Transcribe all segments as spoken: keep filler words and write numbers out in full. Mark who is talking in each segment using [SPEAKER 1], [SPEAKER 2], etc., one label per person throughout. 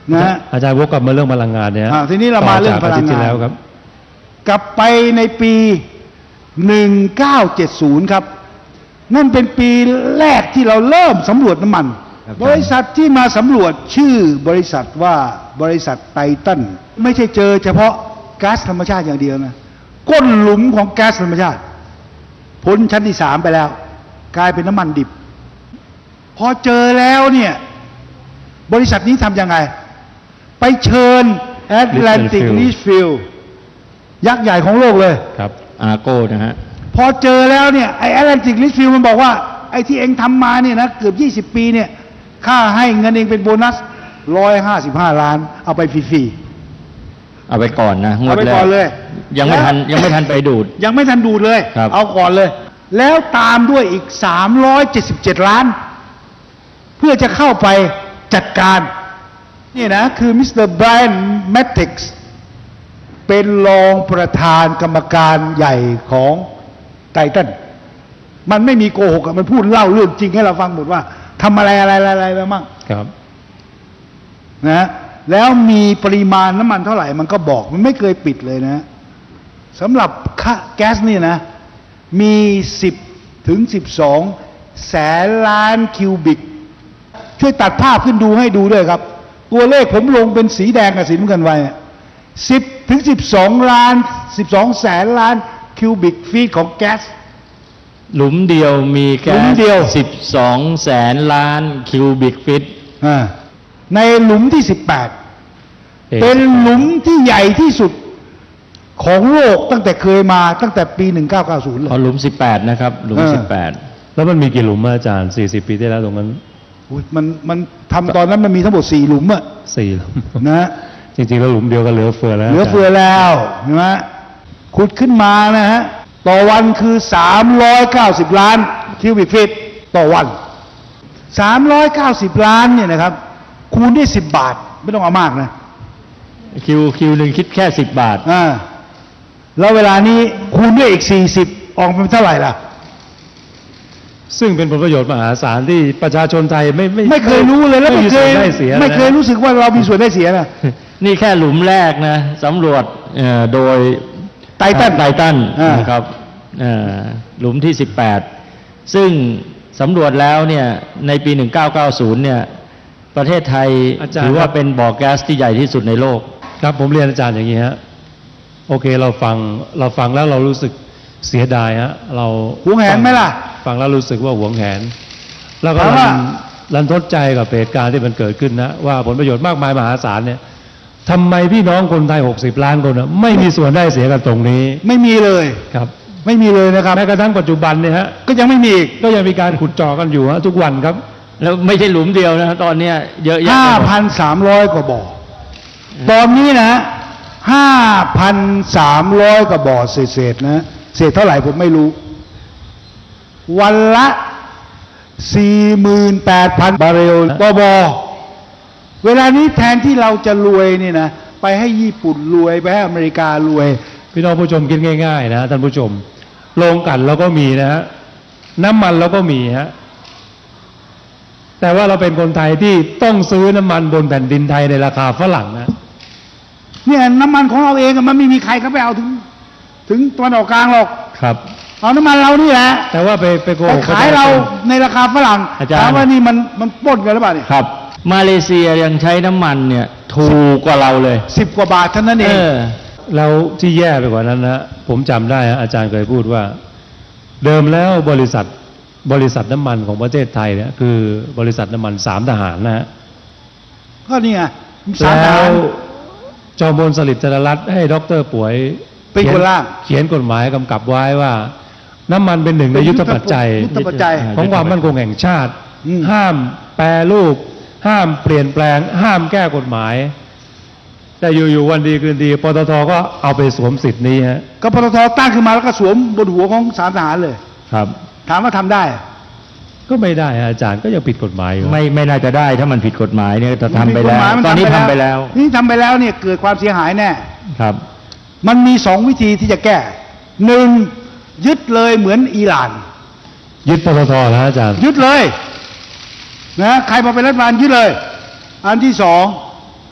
[SPEAKER 1] นะอาจารย์วกกลับมาเรื่องพลังงานเนี่ย
[SPEAKER 2] ทีนี้เรามาเรื่องพลังงาน
[SPEAKER 1] แล้วครับ
[SPEAKER 2] กลับไปในปีหนึ่งเก้าเจ็ดศูนย์ครับนั่นเป็นปีแรกที่เราเริ่มสำรวจน้ำมันบริษัทที่มาสำรวจชื่อบริษัทว่าบริษัทไททันไม่ใช่เจอเฉพาะก๊าซธรรมชาติอย่างเดียวนะก้นหลุมของก๊าซธรรมชาติพ้นชั้นที่สามไปแล้วกลายเป็นน้ำมันดิบพอเจอแล้วเนี่ยบริษัทนี้ทำยังไงไปเชิญ Atlantic Litchfield ยักษ์ใหญ่ของโลกเลย
[SPEAKER 1] ครับอาร์โก้นะฮะ
[SPEAKER 2] พอเจอแล้วเนี่ยไอ้ Atlantic Litchfield มันบอกว่าไอ้ที่เองทำมาเนี่ยนะเกือบยี่สิบปีเนี่ยค่าให้เงินเองเป็นโบนัสร้อยห้าสิบห้าล้านเอาไปฟรี
[SPEAKER 1] ๆเอาไปก่อนนะ
[SPEAKER 2] เอาไปก่อนเลย
[SPEAKER 1] ยังไม่ทันยังไม่ทันไปดูด
[SPEAKER 2] ยังไม่ทันดูดเลยเอาก่อนเลยแล้วตามด้วยอีกสามร้อยเจ็ดสิบเจ็ดล้านเพื่อจะเข้าไปจัดการนี่นะคือมิสเตอร์ไบรอันแมทติกส์เป็นรองประธานกรรมการใหญ่ของไททันมันไม่มีโกหกมันพูดเล่าเรื่องจริงให้เราฟังหมดว่าทำอะไรอะไรอะไรไปมั่ง
[SPEAKER 1] ครับ
[SPEAKER 2] นะแล้วมีปริมาณน้ำมันเท่าไหร่มันก็บอกมันไม่เคยปิดเลยนะสำหรับแก๊สนี่นะมีสิบถึงสิบสองแสนล้านคิวบิกช่วยตัดภาพขึ้นดูให้ดูด้วยครับตัวเลขผมลงเป็นสีแดงกับสีน้ำเงินไว้สิบถึงสิบสองล้านสิบสองแสนล้านคิวบิกฟีตของแก๊ส
[SPEAKER 1] หลุมเดียวมีแก๊สสิบสองแสนล้านคิวบิกฟีต
[SPEAKER 2] ในหลุมที่สิบแปดเป็นหลุมที่ใหญ่ที่สุดของโลกตั้งแต่เคยมาตั้งแต่ปีหนึ่งเก้าเก้าศูนย์เลย
[SPEAKER 1] หลุมสิบแปดนะครับหลุมสิบแปดแล้วมันมีกี่หลุมอาจารย์สี่สิบปีที่แล้วตรงนั้น
[SPEAKER 2] มันมันทำตอนนั้นมันมีทั้งหมดสี่หลุมอะ
[SPEAKER 1] สี่หลุม
[SPEAKER 2] นะ
[SPEAKER 1] จริงๆแล้วหลุมเดียวก็เหลือเฟือแล้ว
[SPEAKER 2] เหลือเฟือแล้วเห็นไหมขุดขึ้นมานะฮะต่อวันคือสามร้อยเก้าสิบล้านคิวบิกฟีตต่อวันสามร้อยเก้าสิบล้านเนี่ยนะครับคูณด้วยสิบบาทไม่ต้องเอามากนะ
[SPEAKER 1] คิวคิวหนึ่งคิดแค่สิบบาท
[SPEAKER 2] อ่าแล้วเวลานี้คูณด้วยอีกสี่สิบออกเป็นเท่าไหร่ล่ะ
[SPEAKER 1] ซึ่งเป็นผลประโยชน์มหาศาลที่ประชาชนไทยไม่ไม่
[SPEAKER 2] ไม่เคยรู้เลยแล้วไม่เคยไม่เคยรู้สึกว่าเรามีส่วนได้เสียนะ
[SPEAKER 1] นี่แค่หลุมแรกนะสำรวจโดย
[SPEAKER 2] ไททัน
[SPEAKER 1] ไททันนะครับหลุมที่สิบแปดซึ่งสำรวจแล้วเนี่ยในปีหนึ่งเก้าเก้าศูนย์เนี่ยประเทศไทยถือว่าเป็นบ่อแก๊สที่ใหญ่ที่สุดในโลกครับผมเรียนอาจารย์อย่างนี้ฮะโอเคเราฟังเราฟังแล้วเรารู้สึกเสียดายฮะเรา
[SPEAKER 2] หวงแหนไหมล่ะ
[SPEAKER 1] ฟังแล้วรู้สึกว่าหวงแหนแล้วก็รันทดใจกับเหตุการณ์ที่มันเกิดขึ้นนะว่าผลประโยชน์มากมายมหาศาลเนี่ยทำไมพี่น้องคนไทยหกสิบล้านคนนะไม่มีส่วนได้เสียกันตรงนี้
[SPEAKER 2] ไม่มีเลย
[SPEAKER 1] ครับ
[SPEAKER 2] ไม่มีเลยนะครับ
[SPEAKER 1] แม้กระทั่งปัจจุบันเนี่ยฮะ
[SPEAKER 2] ก็ยังไม่มี
[SPEAKER 1] ก็ยังมีการขุดเจาะกันอยู่ฮะทุกวันครับแล้วไม่ใช่หลุมเดียวนะตอนนี้เยอะแยะ
[SPEAKER 2] ห้าพันสามร้อยกว่าบ่อตอนนี้นะห้าพันสามร้อยกว่าบ่อเศษๆนะเศษเท่าไหร่ผมไม่รู้วันละสี่หมื่นแปดพันบาร์เรลต่อบ่อเวลานี้แทนที่เราจะรวยนี่นะไปให้ญี่ปุ่นรวยไปให้อเมริการวย
[SPEAKER 1] พี่น้องผู้ชมคิดง่ายๆนะท่านผู้ชมโรงกลั่นเราก็มีนะฮะน้ำมันเราก็มีฮะแต่ว่าเราเป็นคนไทยที่ต้องซื้อน้ำมันบนแผ่นดินไทยในราคาฝรั่งนะ
[SPEAKER 2] เนี่ยน้ำมันของเราเองมันไม่มีใครเขาไปเอาถึงถึงตะวันออกกลางหรอก
[SPEAKER 1] ครับ
[SPEAKER 2] เอาน้ำมันเรานี่แหละ
[SPEAKER 1] แต่ว่าไปไปโกง
[SPEAKER 2] ขายเราในราคาฝรั่งถามว่านี่มันมันปล้นกันหรือเปล่าเนี่ย
[SPEAKER 1] ครับมาเลเซียยังใช้น้ำมันเนี่ยถูกกว่าเราเลย
[SPEAKER 2] สิบกว่าบาทเท่านั้นเอง
[SPEAKER 1] แล้วที่แย่ไปกว่านั้นนะผมจำได้อาจารย์เคยพูดว่าเดิมแล้วบริษัทบริษัทน้ำมันของประเทศไทยเนี่ยคือบริษัทน้ำมันสามทหารนะฮะ
[SPEAKER 2] ก็นี่ไง
[SPEAKER 1] สามทหารจอมพลสฤษดิ์จารรัตน์ให้ดร.ป่วย
[SPEAKER 2] เป็นคนร่าง
[SPEAKER 1] เขียนกฎหมายกำกับไว้ว่าน้ำมันเป็นหนึ่งในยุทธปัจจัยของความมั่นคงแห่งชาติห้ามแปรรูปห้ามเปลี่ยนแปลงห้ามแก้กฎหมายแต่อยู่ๆวันดีคืนดีปตท.ก็เอาไปสวมสิทธิ์นี้ฮะ
[SPEAKER 2] ก็ปตท.ตั้งขึ้นมาแล้วก็สวมบนหัวของสามทหารเลย
[SPEAKER 1] ครับ
[SPEAKER 2] ถามว่าทำได้
[SPEAKER 1] ก็ไม่ได้อาจารย์ก็ยังผิดกฎหมายอยู่
[SPEAKER 2] ไม่ไม่น่าจะได้ถ้ามันผิดกฎหมายเนี่ยจะทำไปแล้วตอนนี้ทำไปแล้วนี่ทำไปแล้วเนี่ยเกิดความเสียหายแน่
[SPEAKER 1] ครับ
[SPEAKER 2] มันมีสองวิธีที่จะแก้หนึ่งยึดเลยเหมือนอิหร่าน
[SPEAKER 1] ยึดปตท.นะอาจารย์
[SPEAKER 2] ยึดเลยนะใครมาเป็นรัฐบาลยึดเลยอันที่สอง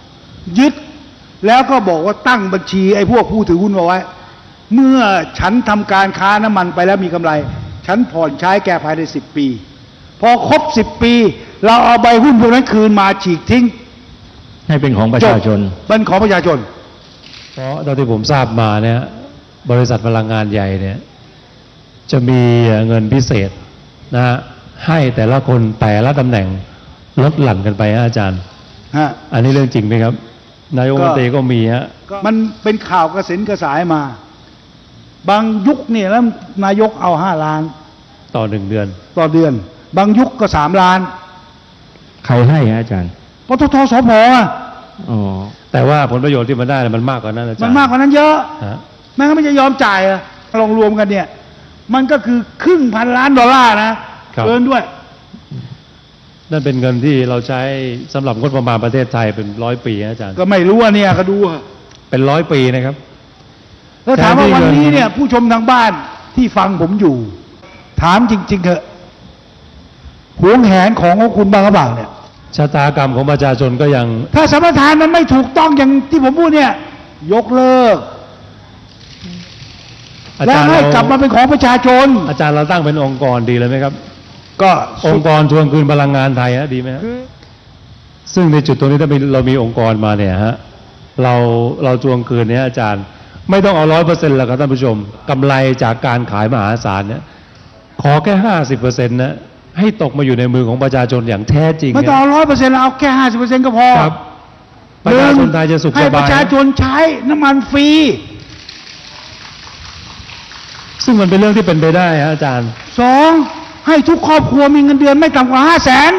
[SPEAKER 2] ยึดแล้วก็บอกว่าตั้งบัญชีไอ้พวกผู้ถือหุ้นเอาไว้เมื่อฉันทำการค้าน้ำมันไปแล้วมีกำไรฉันผ่อนใช้แกภายในสิบปีพอครบสิบปีเราเอาใบหุ้นพวกนั้นคืนมาฉีกทิ้ง
[SPEAKER 1] ให้เป็นของประชาชน
[SPEAKER 2] เป็นของประชาชน
[SPEAKER 3] เพราะตอนที่ผมทราบมาเนี่ยบริษัทพลังงานใหญ่เนี่ยจะมีเงินพิเศษนะฮะให้แต่ละคนแต่ละตำแหน่งลดหลั่นกันไปฮะอาจารย์
[SPEAKER 2] ฮะ
[SPEAKER 3] อันนี้เรื่องจริงไหมครับนายกรัฐมนตรีก็มีฮะ
[SPEAKER 2] มันเป็นข่าวกระสินกระสายมาบางยุคเนี่ยแล้วนายกเอาห้าล้าน
[SPEAKER 3] ต่อหนึ่งเดือน
[SPEAKER 2] ต่อเดือนบางยุคก็สามล้าน
[SPEAKER 1] ใครให้ฮะอาจารย์
[SPEAKER 2] ปตท.สผ.
[SPEAKER 1] อ๋อ
[SPEAKER 3] แต่ว่าผลประโยชน์ที่มันได้มันมากกว่านั้นอาจารย์
[SPEAKER 2] มันมากกว่านั้นเยอะแม้ไม่จะยอมจ่ายอะลองรวมกันเนี่ยมันก็คือครึ่งพันล้านดอลลาร์นะเกินด้วย
[SPEAKER 3] นั่นเป็นเงินที่เราใช้สำหรับงบประมาณประเทศไทยเป็นร้อยปีอาจารย์
[SPEAKER 2] ก็ไม่รู้ว่าเนี่ยก็ดู
[SPEAKER 3] เป็นร้อยปีนะครับ
[SPEAKER 2] แล้วถามว่าวันนี้เนี่ยผู้ชมทางบ้านที่ฟังผมอยู่ถามจริงๆเถอะหวงแหนของของคุณบางกระบังเนี่ย
[SPEAKER 3] ชะตากรรมของประชาชนก็ยัง
[SPEAKER 2] ถ้าสัมปทานมันไม่ถูกต้องอย่างที่ผมพูดเนี่ยยกเลิกและให้กลับมาเป็นของประชาชน
[SPEAKER 3] อาจารย์เราตั้งเป็นองค์กรดีเลยไหมครับ
[SPEAKER 2] ก็
[SPEAKER 3] องค์กรทวงคืนพลังงานไทยฮะดีไหมซึ่งในจุดตรงนี้ถ้าเรามีองค์กรมาเนี่ยฮะเราเราทวงคืนเนี่ยอาจารย์ไม่ต้องเอาร้อยเปอร์เซ็นต์แล้วครับท่านผู้ชมกำไรจากการขายมหาศาลเนี่ยขอแค่ห้าสิบเปอร์เซ็นต์นะให้ตกมาอยู่ในมือของประชาชนอย่างแท้จริง
[SPEAKER 2] ไม่ต้องเอาร้อยเปอร์เซ็นต์เอาแค่ห้าสิบเปอร์เซ็นต์ก็พอ
[SPEAKER 3] ครับประชาชนไทยจะสุขสบาย
[SPEAKER 2] ให้ประชาชนใช้น้ำมันฟรี
[SPEAKER 3] ซึ่งมันเป็นเรื่องที่เป็นไปได้ฮะอาจารย์
[SPEAKER 2] สองให้ทุกครอบครัวมีเงินเดือนไม่ต่ำกว่าห้าแสน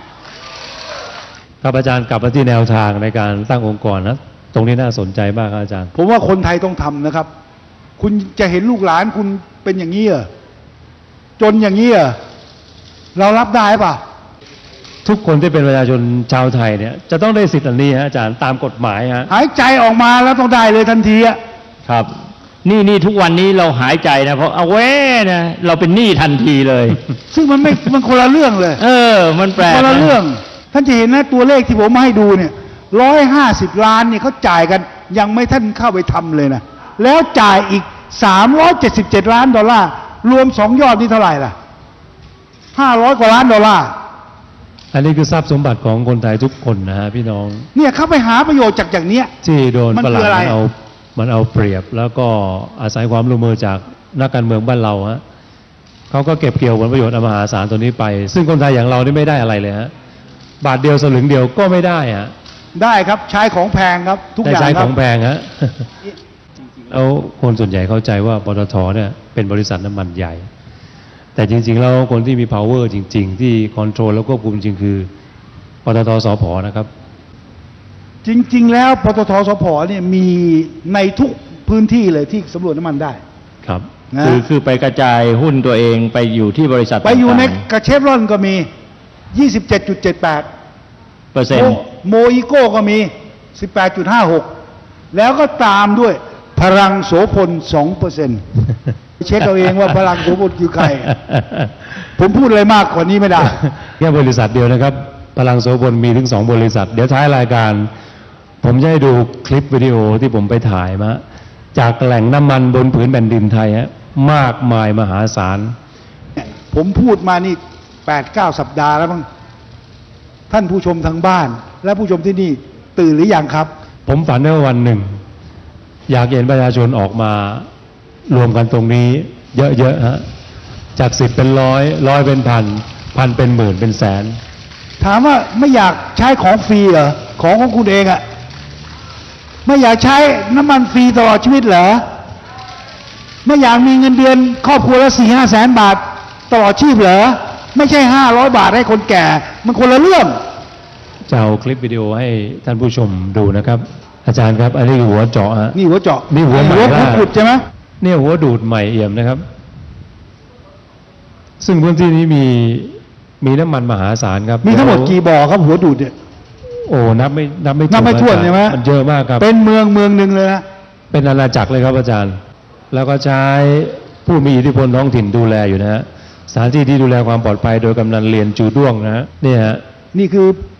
[SPEAKER 3] ครับอาจารย์กลับมาที่แนวทางในการตั้งองค์กรนะตรงนี้น่าสนใจมากครับอาจารย์
[SPEAKER 2] ผมว่าคนไทยต้องทำนะครับคุณจะเห็นลูกหลานคุณเป็นอย่างนี้เหรอจนอย่างนี้เหรอเรารับได้ป่ะ
[SPEAKER 3] ทุกคนที่เป็นประชาชนชาวไทยเนี่ยจะต้องได้สิทธิ์อันนี้ฮะอาจารย์ตามกฎหมายฮะ
[SPEAKER 2] หายใจออกมาแล้วต้องได้เลยทันทีอะ
[SPEAKER 1] ครับนี่นี่ทุกวันนี้เราหายใจนะเพราะเอาเว้นะเราเป็นหนี้ทันทีเลย
[SPEAKER 2] ซึ่งมันไม่มันคนละเรื่องเลย
[SPEAKER 1] เออมันแปลก
[SPEAKER 2] คนละเรื่องท่านจะเห็นนะตัวเลขที่ผมมาให้ดูเนี่ยร้อยห้าสิบล้านเนี่ยเขาจ่ายกันยังไม่ท่านเข้าไปทำเลยนะแล้วจ่ายอีกสามร้อยเจ็ดสิบเจ็ดล้านดอลลาร์รวมสองยอดนี่เท่าไหร่ล่ะห้าร้อยกว่าล้านดอลลาร์
[SPEAKER 3] อันนี้คือทรัพย์สมบัติของคนไทยทุกคนนะฮะพี่น้อง
[SPEAKER 2] เนี่ยเขาไปหาประโยชน์จากอย่างเนี้ย
[SPEAKER 3] ที่โดนฝรั่งมันเอามันเอาเปรียบแล้วก็อาศัยความร่วมมือจากนักการเมืองบ้านเราฮะเขาก็เก็บเกี่ยวผลประโยชน์มหาศาลตัวนี้ไปซึ่งคนไทยอย่างเรานี่ไม่ได้อะไรเลยฮะบาทเดียวสลึงเดียวก็ไม่ได้ฮะ
[SPEAKER 2] ได้ครับใช้ของแพงครับทุกอย่าง
[SPEAKER 3] ใช้ของแพงฮะแล้วคนส่วนใหญ่เข้าใจว่าปตทเนี่ยเป็นบริษัทน้ำมันใหญ่แต่จริงๆแล้วคนที่มี power จริงๆที่ control แล้วควบคุมจริงคือปตท.สผ.นะครับ
[SPEAKER 2] จริงๆแล้วปตท.สผ.เนี่ยมีในทุกพื้นที่เลยที่สำรวจน้ำมันได้
[SPEAKER 3] ครับ
[SPEAKER 1] คือคือไปกระจายหุ้นตัวเองไปอยู่ที่บริษัท
[SPEAKER 2] ไปอยู่ในกระเชฟรอนก็มี ยี่สิบเจ็ดจุดเจ็ดแปด
[SPEAKER 1] เปอร์เซ็นต์
[SPEAKER 2] โมอิโก้ก็มี สิบแปดจุดห้าหก แล้วก็ตามด้วยพลังโสพล สองเปอร์เซ็นต์ เช็คเอาเองว่าพลังโสพลคือใครผมพูดอะไรมากกว่านี้ไม่ได้
[SPEAKER 3] แค่บริษัทเดียวนะครับพลังโสพลมีถึงสองบริษัทเดี๋ยวท้ายรายการผมจะให้ดูคลิปวิดีโอที่ผมไปถ่ายมาจากแหล่งน้ำมันบนผืนแผ่นดินไทยฮะมากมายมหาศาล
[SPEAKER 2] ผมพูดมานี่ แปดเก้า สัปดาห์แล้วมั้งท่านผู้ชมทางบ้านและผู้ชมที่นี่ตื่นหรือยังครับ
[SPEAKER 3] ผมฝันว่าวันหนึ่งอยากเห็นประชาชนออกมารวมกันตรงนี้เยอะๆฮะจากสิบเป็นร้อยร้อยเป็นพันพันเป็นหมื่นเป็นแสน
[SPEAKER 2] ถามว่าไม่อยากใช้ของฟรีเหรอของของคุณเองอะไม่อยากใช้น้ำมันฟรีตลอดชีวิตเหรอไม่อยากมีเงินเดือนครอบครัวละสี่ห้าแสนบาทตลอดชีพเหรอไม่ใช่ห้าร้อยบาทให้คนแก่มันคนละเรื่อง
[SPEAKER 3] จะเอาคลิปวิดีโอให้ท่านผู้ชมดูนะครับอาจารย์ครับอันนี้หัวเจาะฮะ
[SPEAKER 2] นี่หัวเจาะ
[SPEAKER 3] นี่หัวใหม่
[SPEAKER 2] ล่าสุดใช่ไหม
[SPEAKER 3] นี่หัวดูดใหม่เอี่ยมนะครับซึ่งพื้นที่นี้มีมีน้ำมันมหาศาลครับ
[SPEAKER 2] มีทั้งหมดกี่บ่อครับหัวดูดเนี่ย
[SPEAKER 3] โอ้นับไม่นับไม่
[SPEAKER 2] นับไม่ถ้วนใช่ไหม
[SPEAKER 3] มันเยอะมากครับ
[SPEAKER 2] เป็นเมืองเมืองหนึ่งเลยนะ
[SPEAKER 3] เป็นอาณาจักรเลยครับอาจารย์แล้วก็ใช้ผู้มีอิทธิพลท้องถิ่นดูแลอยู่นะฮะสถานที่ที่ดูแลความปลอดภัยโดยกำนันเรียนจูด้วงนะฮะนี่ฮะ
[SPEAKER 2] นี่คือ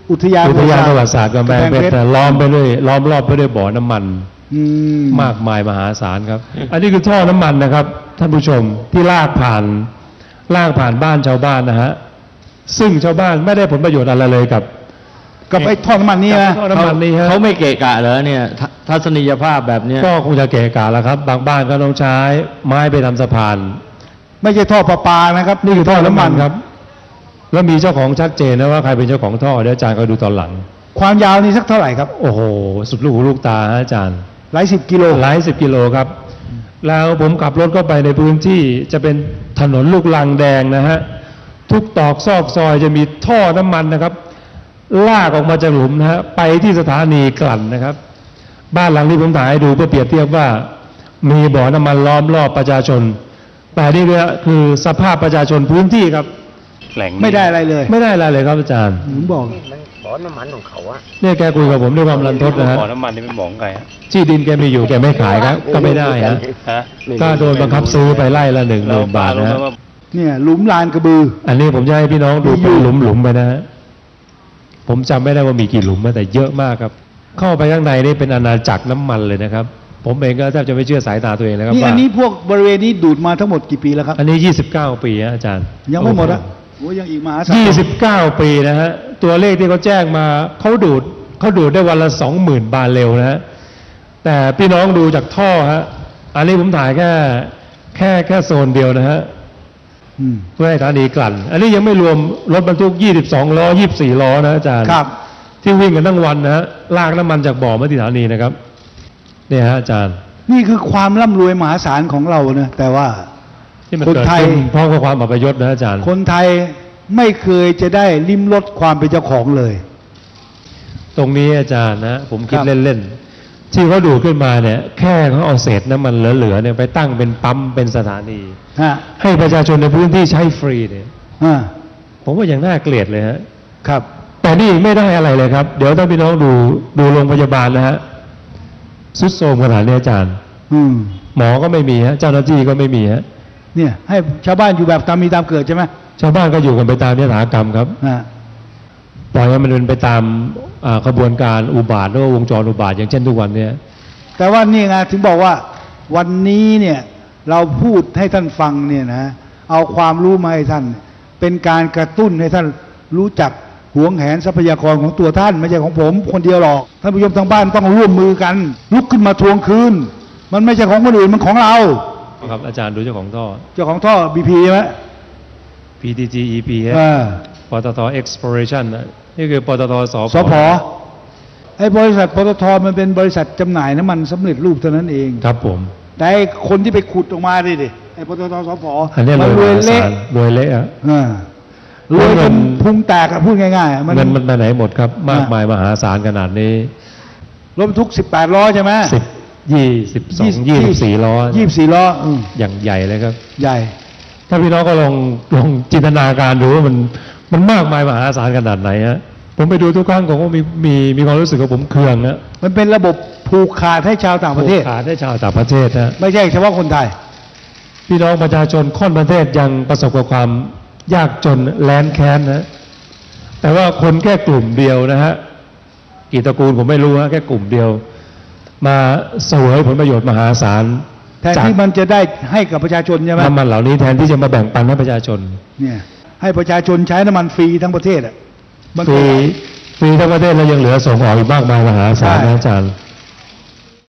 [SPEAKER 2] อุทยาน
[SPEAKER 3] อุทยานประวัติศาสตร์กำแพงเพชรล้อมไปด้วยล้อมรอบไปด้วยบ่อน้ำมัน
[SPEAKER 2] อืม
[SPEAKER 3] มากมายมหาศาลครับ อันนี้คือท่อน้ำมันนะครับท่านผู้ชมที่ลากผ่านลากผ่านบ้านชาวบ้านนะฮะซึ่งชาวบ้านไม่ได้ผลประโยชน์อะไรเลยกับ
[SPEAKER 2] กับไอ้ท่อน้ำมันนี่นะ
[SPEAKER 3] ท่อน้ำมันนี่ฮะ
[SPEAKER 1] เขาไม่เกะกะเหรอเนี่ยททัศนียภาพแบบเนี้ย
[SPEAKER 3] ก็คงจะเกะกะแล้วครับ บางบ้านก็ต้องใช้ไม้ไปทำสะพาน
[SPEAKER 2] ไม่ใช่ท่อประปานะครับ
[SPEAKER 3] นี่คือท่อน้ำมันครับ แล้วมีเจ้าของชัดเจนนะว่าใครเป็นเจ้าของท่อเดี๋ยวอาจารย์ก็ดูตอนหลัง
[SPEAKER 2] ความยาวนี่สักเท่าไหร่ครับ
[SPEAKER 3] โอ้โหสุดลูกหูลูกตาฮะอาจารย์
[SPEAKER 2] หลายสิบกิโล
[SPEAKER 3] หลายสิบกิโลครับ แล้วผมขับรถเข้าไปในพื้นที่จะเป็นถนนลูกลังแดงนะฮะทุกตอกซอกซอยจะมีท่อน้ำมันนะครับ ลากออกมาจากหลุมนะฮะไปที่สถานีกลั่นนะครับ บ้านหลังที่ผมถ่ายให้ดูเพื่อเปรียบเทียบว่ามีบ่อน้ำมันล้อมรอบประชาชน แต่นี่คือสภาพประชาชนพื้นที่ครับแหล่งนี้
[SPEAKER 2] ไม่ได้อะไรเลย
[SPEAKER 3] ไม่ได้อะไรเลยครับอาจารย์
[SPEAKER 2] ผมบอก
[SPEAKER 4] มันบ่อน้ำมันของเขาอะ
[SPEAKER 3] เนี่ยแกคุยกับผมด้วยความรันทดนะฮะ
[SPEAKER 5] บ่อน้ำมันนี่เป็นบ่อของใครฮะ
[SPEAKER 3] ที่ดินแกมีอยู่แกไม่ขายครับ ก็ไม่ได้ฮะ
[SPEAKER 5] ฮะ
[SPEAKER 3] ก็โดนบังคับซื้อไปไล่ละหนึ่งหมื่นบาทนะฮะ
[SPEAKER 2] เนี่ยหลุมลานกระบือ
[SPEAKER 3] อันนี้ผมจะให้พี่น้องดู
[SPEAKER 2] มีอยู่
[SPEAKER 3] เป็นหลุมๆไปนะฮะผมจำไม่ได้ว่ามีกี่หลุมนะแต่เยอะมากครับ เข้าไปข้างในนี่เป็นอาณาจักรน้ำมันเลยนะครับ ผมเองก็แทบจะไม่เชื่อสายตาตัวเองนะครับ
[SPEAKER 2] นี่
[SPEAKER 3] ว่า
[SPEAKER 2] อันนี้พวกบริเวณนี้ดูดมาทั้งหมดกี่ปีแล้วครับ
[SPEAKER 3] อันนี้ยี่สิบเก้าปีฮะอาจารย์
[SPEAKER 2] ยังไม่หมดอ่ะโอ้ยังอีกมหาศาล
[SPEAKER 3] ยี่สิบเก้าปีนะฮะตัวเลขที่เขาแจ้งมาเขาดูดเขาดูดได้วันละสองหมื่นบาร์เรลนะฮะแต่พี่น้องดูจากท่อฮะอันนี้ผมถ่ายแค่แค่แค่โซนเดียวนะฮะ
[SPEAKER 2] อืม
[SPEAKER 3] เพื่อให้สถานีกลั่น อันนี้ยังไม่รวมรถบรรทุกยี่สิบสองล้อยี่สิบสี่ล้อนะอาจารย์
[SPEAKER 2] ครับ
[SPEAKER 3] ที่วิ่งกันทั้งวันนะฮะลากน้ำมันจากบ่อมาที่สถานีนะครับเนี่ยฮะอาจารย์
[SPEAKER 2] นี่คือความร่ำรวยมหาศาลของเรานะแต่ว่า
[SPEAKER 3] ที่มัน
[SPEAKER 2] คน
[SPEAKER 3] เกิด
[SPEAKER 2] ไทย
[SPEAKER 3] ขึ้นเพราะความอัปยศนะอาจารย์
[SPEAKER 2] คนไทยไม่เคยจะได้ลิ้มรสความเป็นเจ้าของเลย
[SPEAKER 3] ตรงนี้อาจารย์นะผมคิด
[SPEAKER 2] ครับ
[SPEAKER 3] เล่นๆที่เขาดูดขึ้นมาเนี่ยแค่เขาเอาเศษน้ำมันเหลือๆเนี่ยไปตั้งเป็นปั๊มเป็นสถานี
[SPEAKER 2] ฮะ
[SPEAKER 3] ให้ประชาชนในพื้นที่ใช้ฟรีเนี่ย
[SPEAKER 2] อ่า
[SPEAKER 3] ผมว่าอย่างน่าเกลียดเลยฮะ
[SPEAKER 2] ครับ
[SPEAKER 3] แต่นี่ไม่ได้อะไรเลยครับ เดี๋ยวถ้าพี่น้องดูดูโรงพยาบาลนะฮะสุดโทรมขนาดนี้อาจารย์
[SPEAKER 2] อืม
[SPEAKER 3] หมอก็ไม่มีฮะเจ้าหน้าที่ก็ไม่มีฮะ
[SPEAKER 2] เนี่ย ให้ชาวบ้านอยู่แบบตามมีตามเกิดใช่ไหม
[SPEAKER 3] ชาวบ้านก็อยู่กันไปตามยถากรรมครับ
[SPEAKER 2] อ่า
[SPEAKER 3] ปล่อยให้มันเป็นไปตามอ่าขบวนการอุบาทหรือว่าวงจรอุบาทอย่างเช่นทุกวันเนี้ย
[SPEAKER 2] แต่ว่านี่ไงถึงบอกว่าวันนี้เนี่ยเราพูดให้ท่านฟังเนี่ยนะเอาความรู้มาให้ท่าน เป็นการกระตุ้นให้ท่านรู้จักหวงแหนทรัพยากรของตัวท่านไม่ใช่ของผมคนเดียวหรอกท่านผู้ชมทางบ้านต้องร่วมมือกัน ลุกขึ้นมาทวงคืน มันไม่ใช่ของคนอื่นมันของเรา
[SPEAKER 3] ครับอาจารย์ดูเจ้าของท่อ
[SPEAKER 2] เจ้าของท่อบีพีใช่ไหม
[SPEAKER 3] พี ที จี อี พี ฮะ
[SPEAKER 2] อ่า
[SPEAKER 3] ปตท Exploration นะนี่คือปตทส
[SPEAKER 2] สพไอ้บริษัทปตทมันเป็นบริษัทจำหน่ายน้ำมันสำเร็จรูปเท่านั้นเอง
[SPEAKER 3] ครับผม
[SPEAKER 2] แต่ไอ้คนที่ไปขุดออกมาดิดิไอ้ปตทสพ
[SPEAKER 3] อันนี้
[SPEAKER 2] มั
[SPEAKER 3] ร
[SPEAKER 2] ร
[SPEAKER 3] ว
[SPEAKER 2] วย ย
[SPEAKER 3] มหา
[SPEAKER 2] เละ
[SPEAKER 3] ศาลรวยเละอะ
[SPEAKER 2] อ่ารวย
[SPEAKER 3] เงิ
[SPEAKER 2] จน
[SPEAKER 3] น
[SPEAKER 2] พุงแตกอะพูดง่ายๆอะมัน
[SPEAKER 3] เงินมันไปไหนหมดครับ มากมายมหาศาลขนาดนี้
[SPEAKER 2] รถบรรทุกสิบแปดล้อใช่ไหม
[SPEAKER 3] สิบยี่สิบสองยี่สิบสี่ล้อ
[SPEAKER 2] ยี่สิบสี่ล้ออืม
[SPEAKER 3] อย่างใหญ่เลยครับ
[SPEAKER 2] ใหญ่
[SPEAKER 3] ถ้าพี่น้องก็ลองลองจินตนาการดูว่ามันมันมากมายมหาศาลขนาดไหนฮะผมไปดูทุกครั้งผมก็มีมีมีความรู้สึกว่าผมเคืองนะ
[SPEAKER 2] มันเป็นระบบผูกขาดให้ชาวต่างประเทศ
[SPEAKER 3] ผูกขาดให้ชาวต่างประเทศนะ
[SPEAKER 2] ไม่ใช่เฉพาะคนไทย
[SPEAKER 3] พี่น้องประชาชนค่อนประเทศยังประสบกับความยากจนแล้นแค้นนะแต่ว่าคนแค่กลุ่มเดียวนะฮะกี่ตระกูลผมไม่รู้ฮะแค่กลุ่มเดียว มาเสวยผลประโยชน์มหาศาล
[SPEAKER 2] แทนที่มันจะได้ให้กับประชาชนใช่ไหม
[SPEAKER 3] น้ำมันเหล่านี้แทนที่จะมาแบ่งปันให้ประชาชน
[SPEAKER 2] เนี่ยให้ประชาชนใช้น้ำมันฟรีทั้งประเทศอ่ะมัน
[SPEAKER 3] ฟรีฟรีทั้งประเทศแล้วยังเหลือส่งออกอีกมากมายมหาศาล
[SPEAKER 2] ใช่
[SPEAKER 3] นะอาจารย์